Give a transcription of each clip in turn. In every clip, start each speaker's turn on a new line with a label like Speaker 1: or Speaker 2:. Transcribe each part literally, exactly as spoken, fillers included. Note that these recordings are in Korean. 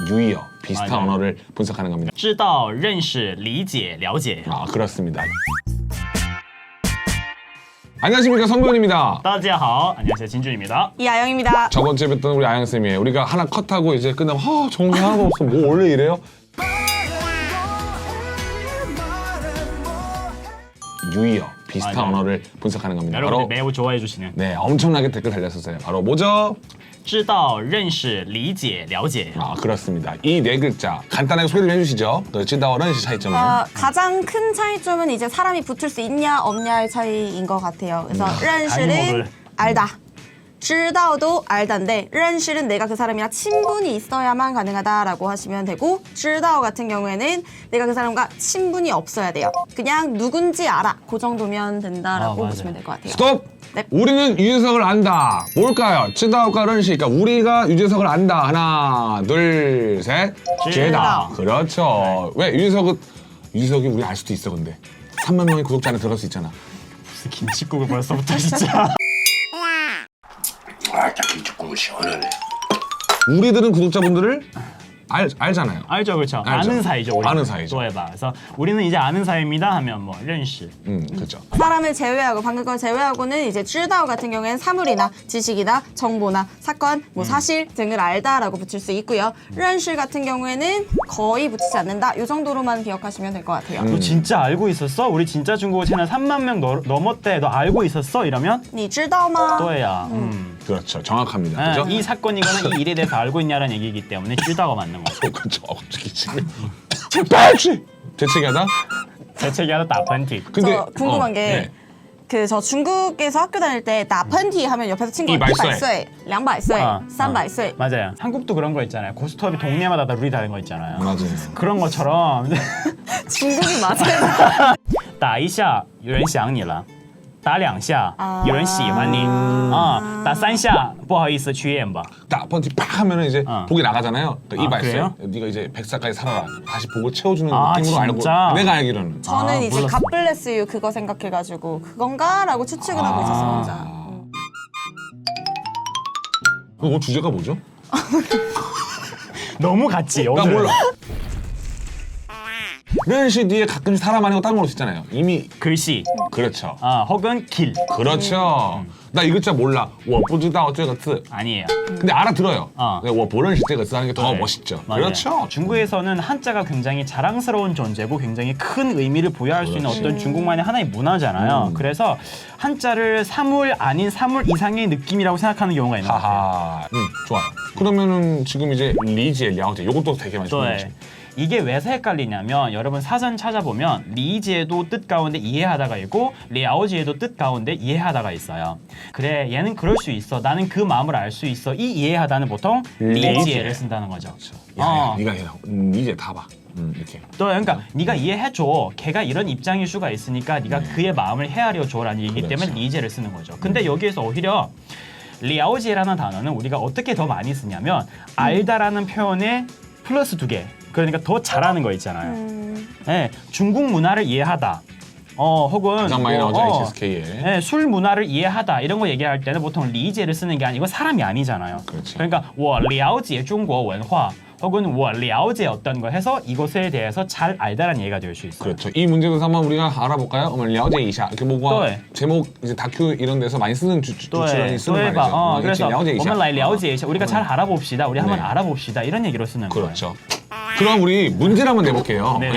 Speaker 1: 유의어, 비슷한
Speaker 2: 맞아요.
Speaker 1: 언어를 분석하는 겁니다.
Speaker 2: 知道、认识、理解、了解。
Speaker 1: 아, 그렇습니다. 안녕하십니까, 성도현입니다.
Speaker 2: 大家好， 안녕하세요, 진준입니다.
Speaker 3: 이아영입니다.
Speaker 1: 저번 주에 뵀던 우리 아영쌤이에요. 우리가 하나 컷하고 이제 끝나면 아, 정리 하나도 없어. 뭐 원래 이래요? 유의어, 비슷한
Speaker 2: 맞아요.
Speaker 1: 언어를 분석하는 겁니다.
Speaker 2: 여러분들
Speaker 1: 바로
Speaker 2: 매우 좋아해 주시는
Speaker 1: 네, 엄청나게 댓글 달렸었어요. 바로 뭐죠?
Speaker 2: 知道、认识、理解、了解。
Speaker 1: 아, 그렇습니다. 이 네 글자 간단하게 소개를 해주시죠. 그 찌다와 런시 차이점은?
Speaker 3: 어, 가장 큰 차이점은 이제 사람이 붙을 수 있냐 없냐의 차이인 것 같아요. 그래서 른시는
Speaker 2: 아이먹을.
Speaker 3: 알다. 知道도 알다인데 认识는 내가 그 사람이랑 친분이 있어야만 가능하다라고 하시면 되고 知道 같은 경우에는 내가 그 사람과 친분이 없어야 돼요. 그냥 누군지 알아. 그 정도면 된다라고
Speaker 2: 아, 맞아요.
Speaker 3: 보시면 될 것 같아요.
Speaker 1: 스톱!
Speaker 3: 네.
Speaker 1: 우리는 유재석을 안다. 뭘까요? 찌다오과 런시. 그러니까 우리가 유재석을 안다. 하나, 둘, 셋.
Speaker 2: 찌다.
Speaker 1: 그렇죠. 왜 유재석은 유재석이 우리 알 수도 있어 근데. 삼만 명의 구독자 안에 들어갈 수 있잖아.
Speaker 2: 무슨 김치국을 벌써부터 진짜.
Speaker 4: 아, 딱 김치국물 시원하네.
Speaker 1: 우리들은 구독자분들을 알, 알잖아요.
Speaker 2: 알죠, 그렇죠.
Speaker 1: 알죠.
Speaker 2: 아는 사이죠, 우리.
Speaker 1: 아는 사이죠.
Speaker 2: 좋아해봐. 그래서 우리는 이제 아는 사이입니다 하면 뭐 认识.
Speaker 1: 음, 그렇죠.
Speaker 3: 사람을 제외하고 방금 거 제외하고는 이제 知道 같은 경우에는 사물이나 지식이나 정보나 사건, 뭐 사실 등을 알다라고 붙일 수 있고요. 认识 같은 경우에는 거의 붙이지 않는다. 이 정도로만 기억하시면 될 것 같아요.
Speaker 2: 너 진짜 알고 있었어? 우리 진짜 중국어 채널 삼만 명 넘- 넘었대. 너 알고 있었어? 이러면
Speaker 3: 你知道吗?
Speaker 2: 또야. 음.
Speaker 1: 그렇죠. 정확합니다.
Speaker 2: 아,
Speaker 1: 그죠?
Speaker 2: 이 사건이거나 이 일에 대해서 알고 있냐라는 얘기이기 때문에 知道가 맞는 거죠.
Speaker 1: 어, 그렇죠. 어, 갑자기 지금 재빨리 재채기하다.
Speaker 2: 재채기 하다 나펀티.
Speaker 1: 근데
Speaker 3: 저 궁금한
Speaker 1: 어,
Speaker 3: 게
Speaker 1: 네.
Speaker 3: 그 저 중국에서 학교 다닐 때 나펀티 하면 옆에서 친구가
Speaker 1: 이백岁.
Speaker 3: 이백岁, 이백岁,
Speaker 2: 어,
Speaker 3: 삼백岁.
Speaker 2: 맞아요. 한국도 그런 거 있잖아요. 고스톱이 동네마다 다 룰이 다른 거 있잖아요.
Speaker 1: 맞아요.
Speaker 2: 그런 것처럼
Speaker 3: 중국이 맞아요.
Speaker 2: 打一下有人想你了，打两下
Speaker 3: 啊
Speaker 2: 有人喜欢你啊，打三下不好意思去医院吧。
Speaker 1: 딱 번지 팍 하면은 이제
Speaker 2: 어.
Speaker 1: 복이 나가잖아요. 그
Speaker 2: 아,
Speaker 1: 이발
Speaker 2: 그래요?
Speaker 1: 네가 이제 백 살까지 살아라. 다시 복을 채워주는
Speaker 2: 아,
Speaker 1: 느낌으로 알고
Speaker 2: 진짜?
Speaker 1: 내가 알기로는.
Speaker 3: 저는
Speaker 2: 아,
Speaker 3: 이제
Speaker 2: 몰랐어.
Speaker 3: God bless you 그거 생각해가지고 그건가라고 추측을 하고 있었어요 혼자.
Speaker 1: 그거 주제가 뭐죠?
Speaker 2: 너무 같지.
Speaker 1: 나
Speaker 2: 오늘.
Speaker 1: 몰라. 런시 뒤에 가끔씩 사람 아니고 다른 걸로 쓰잖아요. 이미
Speaker 2: 글씨,
Speaker 1: 그렇죠.
Speaker 2: 아 혹은 길
Speaker 1: 그렇죠. 나 이 글자 몰라. 我不知道这个字.
Speaker 2: 아니에요.
Speaker 1: 근데 알아들어요.
Speaker 2: 어.
Speaker 1: 근데 我不认识这个字 하는 게 더
Speaker 2: 네.
Speaker 1: 멋있죠.
Speaker 2: 맞아요.
Speaker 1: 그렇죠.
Speaker 2: 중국에서는 한자가 굉장히 자랑스러운 존재고 굉장히 큰 의미를 부여할 수 있는
Speaker 1: 그렇지.
Speaker 2: 어떤 중국만의 하나의 문화잖아요.
Speaker 1: 음.
Speaker 2: 그래서 한자를 사물 아닌 사물 이상의 느낌이라고 생각하는 경우가 있는 것 같아요.
Speaker 1: 하하. 음, 좋아요. 그러면은 지금 이제 리지에 려解 요것도 되게 많이 중요하죠.
Speaker 2: 네. 이게 왜 헷갈리냐면 여러분 사전 찾아보면 리지에도 뜻 가운데 이해하다가 있고 려지에도 뜻 가운데 이해하다가 있어요. 그래 얘는 그럴 수 있어. 나는 그 마음을 알 수 있어. 이 이해하다는 보통 리지에를 쓴다는 거죠.
Speaker 1: 야, 야,
Speaker 2: 어.
Speaker 1: 네가 해. 음, 이제 다 봐. 음, 이렇게.
Speaker 2: 또 그러니까 네가 이해해줘. 걔가 이런 입장일 수가 있으니까 네가 그의 마음을 헤아려줘라는 얘기이기
Speaker 1: 그렇죠.
Speaker 2: 때문에 리제를 쓰는 거죠. 근데 여기에서 오히려 려지라는 단어는 우리가 어떻게 더 많이 쓰냐면 알다라는 표현에 플러스 두 개. 그러니까 더 잘하는 거 있잖아요.
Speaker 3: 음,
Speaker 2: 네, 중국 문화를 이해하다. 어 혹은
Speaker 1: 가장 많이 나오죠.
Speaker 2: 어,
Speaker 1: 에이치에스케이에.
Speaker 2: 네, 술 문화를 이해하다 이런 거 얘기할 때는 보통 리제를 쓰는 게 아니고 사람이 아니잖아요.
Speaker 1: 그렇지.
Speaker 2: 그러니까 我了解中国文化 혹은 我了解 어떤 거 해서 이것에 대해서 잘 알다라는 얘기가 될 수 있어요.
Speaker 1: 그렇죠. 이 문제도 한번 우리가 알아볼까요? 어머, 려제 이샤 이렇게 뭐가
Speaker 2: 네.
Speaker 1: 제목 이제 다큐 이런 데서 많이 쓰는 주, 주,
Speaker 2: 또
Speaker 1: 주출연이 쓰는
Speaker 2: 해
Speaker 1: 말이죠.
Speaker 2: 어,
Speaker 1: 어,
Speaker 2: 그래서
Speaker 1: 려제 이샤.
Speaker 2: 我们来了解一下 우리가
Speaker 1: 어.
Speaker 2: 잘 알아봅시다. 우리 한번
Speaker 1: 네.
Speaker 2: 알아봅시다. 이런 얘기로 쓰는 거예요.
Speaker 1: 그렇죠. 그럼 우리 문제를 한번 내볼게요.
Speaker 2: 네.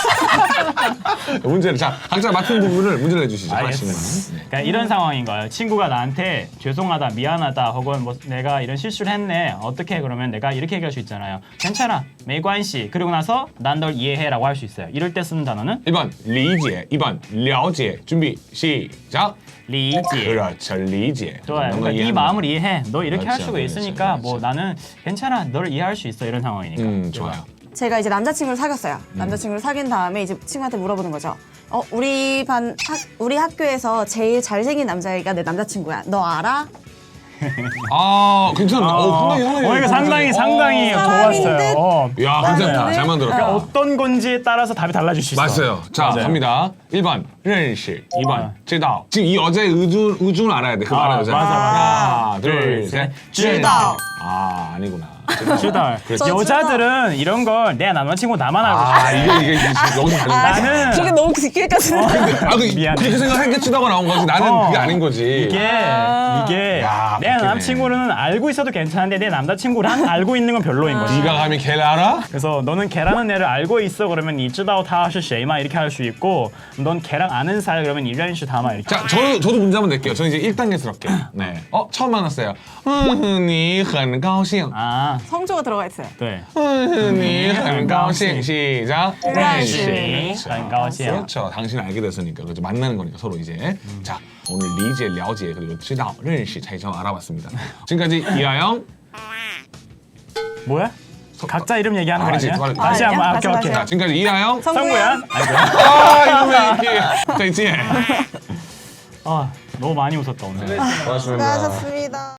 Speaker 1: 문제를 자 각자 맡은 부분을 문제를 내주시죠.
Speaker 2: 알겠습니다.
Speaker 1: 하나씩은. 네.
Speaker 2: 그러니까 이런 상황인 거예요. 친구가 나한테 죄송하다, 미안하다, 혹은 뭐 내가 이런 실수를 했네. 어떻게 그러면 내가 이렇게 얘기할 수 있잖아요. 괜찮아, 没关系. 그리고 나서 난 널 이해해라고 할 수 있어요. 이럴 때 쓰는 단어는
Speaker 1: 일 번 리제, 이 번 려제. 준비 시작.
Speaker 2: 리제.
Speaker 1: 그렇죠, 리제.
Speaker 2: 좋아요.
Speaker 1: 너무
Speaker 2: 그러니까 네
Speaker 1: 이해하는
Speaker 2: 마음을 이해해. 너 이렇게 할
Speaker 1: 그렇죠,
Speaker 2: 수가
Speaker 1: 그렇죠,
Speaker 2: 있으니까 뭐
Speaker 1: 그렇죠.
Speaker 2: 나는 괜찮아. 너를 이해할 수 있어. 이런 상황이니까.
Speaker 1: 음, 좋아요.
Speaker 3: 제가 이제 남자친구를 사귀었어요. 남자친구를 사귄 다음에 이제 친구한테 물어보는 거죠. 어, 우리 반 학, 우리 학교에서 제일 잘생긴 남자애가 내 남자친구야. 너 알아?
Speaker 1: 아, 괜찮다. 어, 상당히 상당히.
Speaker 2: 어, 이거 상당히
Speaker 1: 어,
Speaker 2: 상당히
Speaker 3: 사람인
Speaker 2: 좋았어요.
Speaker 3: 듯?
Speaker 2: 어.
Speaker 1: 야, 괜찮다. 잘 만들었다.
Speaker 2: 그러니까 어떤 건지에 따라서 답이 달라질 수 있어.
Speaker 1: 맞아요. 자,
Speaker 2: 맞아요.
Speaker 1: 갑니다. 일 번, 认识. 이 번,
Speaker 2: 어.
Speaker 1: 知道. 지금 이 여자의 의중, 의중을 알아야 돼. 그거
Speaker 2: 아,
Speaker 1: 알아야 되잖아.
Speaker 2: 맞아, 맞아.
Speaker 1: 하나, 둘,
Speaker 2: 둘,
Speaker 1: 셋.
Speaker 2: 셋.
Speaker 3: 知道.
Speaker 1: 아, 아니구나.
Speaker 2: 쯔다오.
Speaker 3: 저
Speaker 2: 여자들은 이런 걸 내 남자친구 나만 알고
Speaker 1: 아
Speaker 2: 싶어.
Speaker 1: 이게 이게 지금 여기서 다른 거야.
Speaker 2: 나는
Speaker 3: 저게 너무 깊게까지.
Speaker 1: 아, 그,
Speaker 2: 미안해.
Speaker 1: 그렇게 생각하니까 치다가 나온 거지. 나는
Speaker 2: 어.
Speaker 1: 그게 아닌 거지.
Speaker 2: 이게
Speaker 3: 아.
Speaker 2: 이게
Speaker 1: 야,
Speaker 2: 내
Speaker 1: 웃기네.
Speaker 2: 남자친구는 알고 있어도 괜찮은데 내 남자친구랑 알고 있는 건 별로인 거지.
Speaker 1: 네가 감히 걔를 알아?
Speaker 2: 그래서 너는 걔라는 애를 알고 있어 그러면 이知道他是谁吗 이렇게 할 수 있고 넌 걔랑 아는 사이 그러면 이认识他吗이렇게.
Speaker 1: 자, 저도 저도 문제 한번 낼게요. 저는 이제 일 단계스럽게. 네. 어, 처음 만났어요. 음, 你很高兴.
Speaker 2: 아,
Speaker 3: 성조가 들어가 있어요.
Speaker 2: 네.
Speaker 1: 嗯,你很高兴. 시작.
Speaker 3: 认识.
Speaker 2: 네,很高兴.
Speaker 1: 그렇죠. 당신 알게 됐으니까. 그렇죠. 만나는 거니까 서로 이제. 자, 오늘 리제, 了解 그리고 知道, 认识 차이점 알아봤습니다. 지금까지 이하영.
Speaker 2: 뭐야? 각자 이름 얘기하는 거
Speaker 1: 아니지,
Speaker 2: 아니야?
Speaker 1: 빨리-
Speaker 2: 다시
Speaker 3: 아,
Speaker 2: 한번. 아,
Speaker 3: 다시,
Speaker 2: 오케이
Speaker 3: 다시.
Speaker 2: 오케이.
Speaker 1: 자, 지금까지 이하영.
Speaker 2: 성구야?
Speaker 3: 성구야.
Speaker 2: 아이고.
Speaker 1: 아, 이거 왜 이렇게. 再见.
Speaker 2: 아, 너무 많이 웃었다 오늘.
Speaker 1: 고맙습니다.
Speaker 3: 수고하셨습니다.